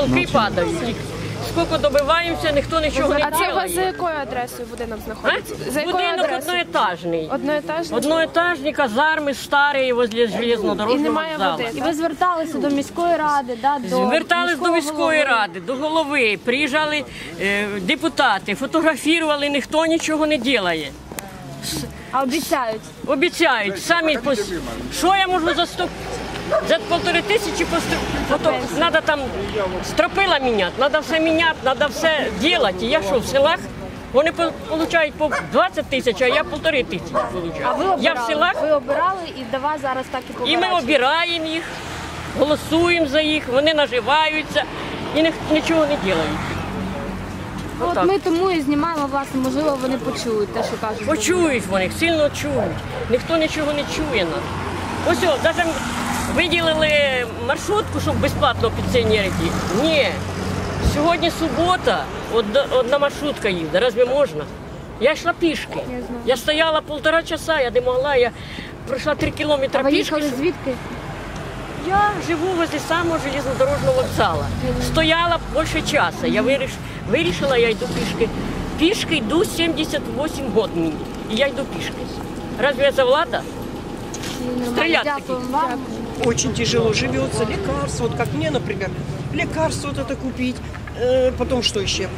Роки падають. Скільки добиваємося, ніхто нічого не А це у вас за робить. якою адресою будинок знаходиться? За якою Будинок адресою? одноетажний. Одноетажний? Одноетажний, казарми старі возле І железнодорожного немає вокзалу. води. І ви зверталися до міської ради, да, до Звертались до міського міської голови? ради, до голови, приїжджали депутати, фотографували, ніхто нічого не робить. А обіцяють? Обіцяють, самі що я можу за 1500 треба там стропила міняти, треба все міняти, треба все робити. Я що, в селах? Вони отримують по 20 тисяч, а я 1500 А ви отримую. обирали? Я в селах, Ви обирали і до вас зараз так і і побирають? ми обираємо їх, голосуємо за їх, вони наживаються і нічого не роблять. От ми тому і знімаємо, власне, можливо, вони почують те, що кажуть. Почують вони, сильно чують. Ніхто нічого не чує нас. Ось, навіть виділили маршрутку, щоб безплатно пенсіонерів. Ні. Сьогодні субота, одна маршрутка їде. Разве можна? Я йшла пішки. Я стояла 1,5 часа, я не могла, я пройшла 3 кілометри А ви пішки. їхали звідки? Я живу возле самого железнодорожного вокзалу. Стояла більше часу. Я вирішила, я йду пішки. Пішки йду 78 років мені. І я йду пішки. Разве це влада? Стрелять Дякую вам. Очень тяжело живется, лекарства, вот как мне, например, лекарства вот это купить, потом что еще?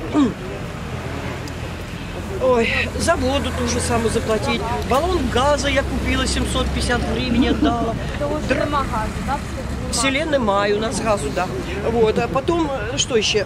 Ой, за воду ту же самую заплатить, баллон газа я купила, 750 гривен отдала. Нема газу, так? В селе немає, у нас газу, да. Вот, а потом, что еще?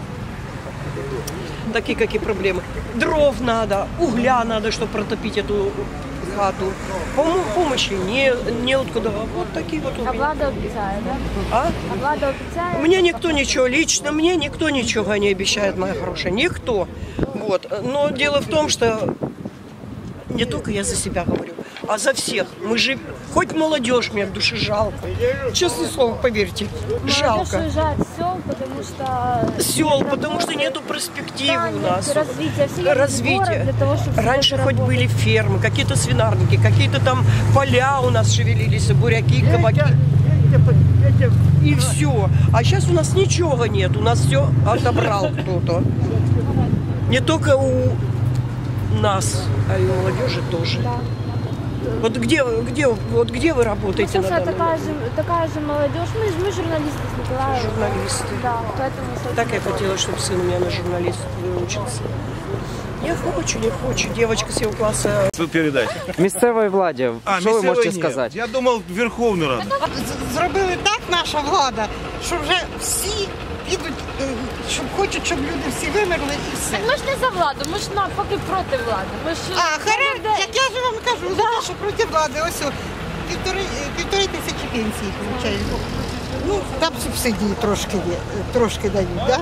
Такие какие проблемы. Дров надо, угля надо, чтобы протопить эту хату. Помощи неоткуда. Вот такие вот у А меня. влада обіцяє, так? А? А влада обіцяє? Мне никто ничего, лично мне никто ничего не обещает, моя хорошая, никто. Вот. Но дело в том, что не только я за себя говорю, а за всех. Мы же, хоть молодежь мне в душе жалко. Честное слово, поверьте, жалко. Молодежь уезжает с сел, потому что... Сел, потому что нету перспективы у нас. Развития. Все едут в город для того, чтобы Раньше хоть заработать. были фермы, какие-то свинарники, какие-то там поля у нас шевелились, буряки, кабаки. И все. А сейчас у нас ничего нет, у нас все отобрал кто-то. Не только у нас, а и у молодежи тоже. Да. Вот где вы работаете Ну, на собственно, данный момент? такая же молодежь. Мы журналисты с Николаем. Журналисты. Да, поэтому... собственно, Так я хотела, чтобы сын у меня на журналист выучился. Не хочу, девочка с его класса. Ви передайте. Місцевої владі, що ви можете сказати? Я думав, Верховну Раду. Зробили так наша влада, що вже всі підуть, щоб хочуть, щоб люди всі вимерли і все. Ми ж не за владу, ми ж навпаки проти влади. Ми ж... Як я ж вам кажу, за те, що проти влади, ось о, півтори тисячі пенсій получають. Ну, там субсидії трошки дають, да?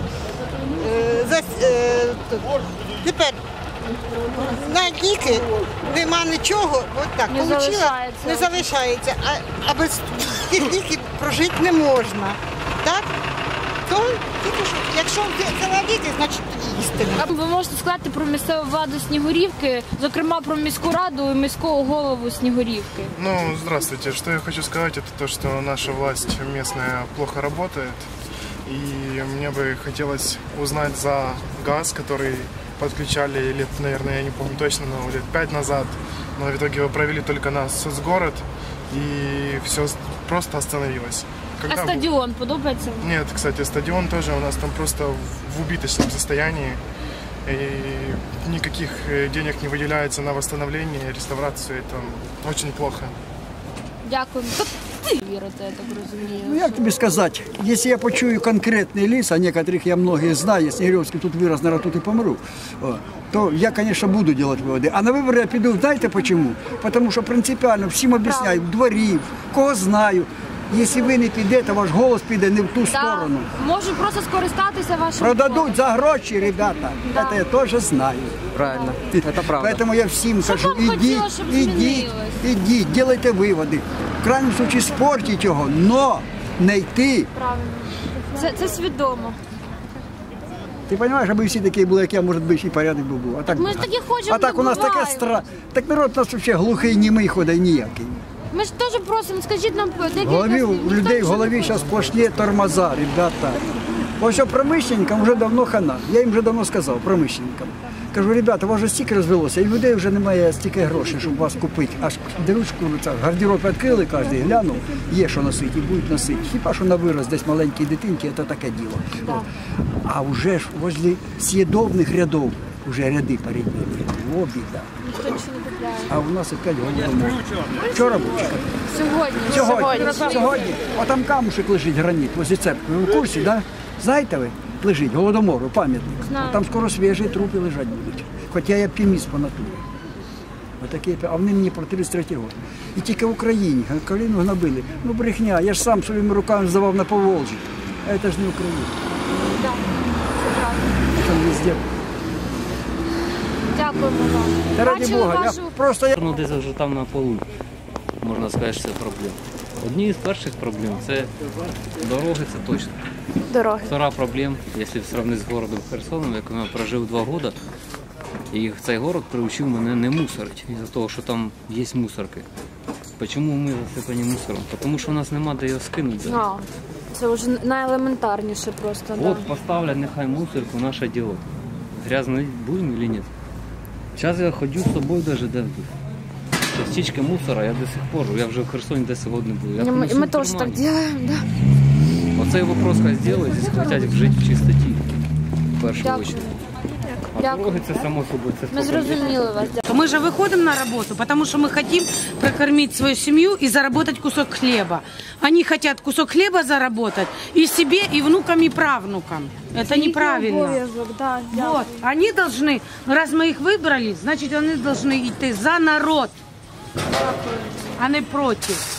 Тепер на ліки нема нічого, от так, не залишається, а без тих ліків прожити не можна. Так? То, тільки що, якщо взяла ліки, значить їсти. Ви можете сказати про місцеву владу Снігурівки, зокрема про міську раду і міського голову Снігурівки? Ну, здравствуйте. Что я хочу сказать, это то, что наша власть местная плохо работает. И мне бы хотелось узнать за газ, который подключали лет, наверное, я не помню точно, но лет 5 назад. Но в итоге его провели только на соцгород, и все просто остановилось. А стадіон подобається? Нет, кстати, стадион тоже у нас там просто в убыточном состоянии. И никаких денег не выделяется на восстановление, реставрацию. Это очень плохо. Дякую. Ти вірите, я так розумію. Ну, як тобі сказати, якщо я почую конкретний ліс, а некоторых я многих знаю, Снігурівський тут вирос, наверное, тут і помру, то я, конечно, буду делать выводы. А на вибори я піду, знаєте почему? Потому що принципіально всім об'ясняю, в дворі, кого знаю. Якщо ви не підете, ваш голос піде не в ту сторону. Можу просто скористатися вашим... Продадуть за гроші, ребята. Да. Це я теж знаю. Правильно, це правда. Поэтому я всім кажу, вам хотілося, щоб ідіть, делайте виводи. В крайньому случае спортіть його, но не йти. Правильно. Це свідомо. Ти розумієш, аби всі такі були, як я, може бути, і порядок би був. А так, Ми ж такі хочемо, а так у нас таке так народ у нас взагалі глухий, німий ходить, ніякий. Ми ж теж просимо, скажіть нам декілька У слів. людей в голові зараз сплошні тормоза, ребята. Ось промишленникам вже давно хана. Я їм вже давно сказав, промишленникам. Кажу, ребята, у вас вже стільки розвелося, і людей вже немає стільки грошей, щоб вас купити. Аж деручку, гардероб відкрили, кожен глянув, є що носити і будуть носити. Хіба що на вираз десь маленькій дитинки, це таке діло. А вже ж возле съєдобних рядів вже ряди переділи. О, біда. А у нас опять голодомор. Вчора був? Сьогодні. А там камушек лежить, граніт, возле церкви. Ви в курсі, так? Да? Знаєте ви? Лежить, Голодомору, пам'ятник. Там скоро свіжі трупи лежать будуть. Хоча я оптиміст по натурі. Отакі, а вони мені про 33-й рік. І тільки в Україні, коліну гнобили. Ну брехня, я ж сам своїми руками здавав на Поволжі. А це ж не Україна. Так, це правда. Там везде. Дякуємо вам. Та раді Бачили Бога, вашу... я просто... Ну, десь вже там на полу, можна сказати, що це проблем. Одні з перших проблем – це дороги, це точно. Дороги. Втора проблема, якщо сравнити з городом Херсоном, як я прожив 2 роки, і цей город приучив мене не мусорити, із-за того, що там є мусорки. Чому ми засипані мусором? Тому що у нас немає де його скинути. Це вже найелементарніше просто. От поставлять нехай мусорку, наше діло. Грязно будемо чи ні? Зараз я ходжу з собою навіть де. Частички мусора я до сих пор, я вже в Херсоні 10 років не був. Мы тоже так делаем, да. Оцей вопрос хай зробить, здесь хочуть жити в чистоті, в першу чергу. А дороги це само собою. Ми зрозуміли вас. Мы же выходим на работу, потому что мы хотим прокормить свою семью и заработать кусок хлеба. Они хотят кусок хлеба заработать и себе, и внукам, и правнукам. Это неправильно. Вот. Они должны, раз мы их выбрали, значит, они должны идти за народ, а не против.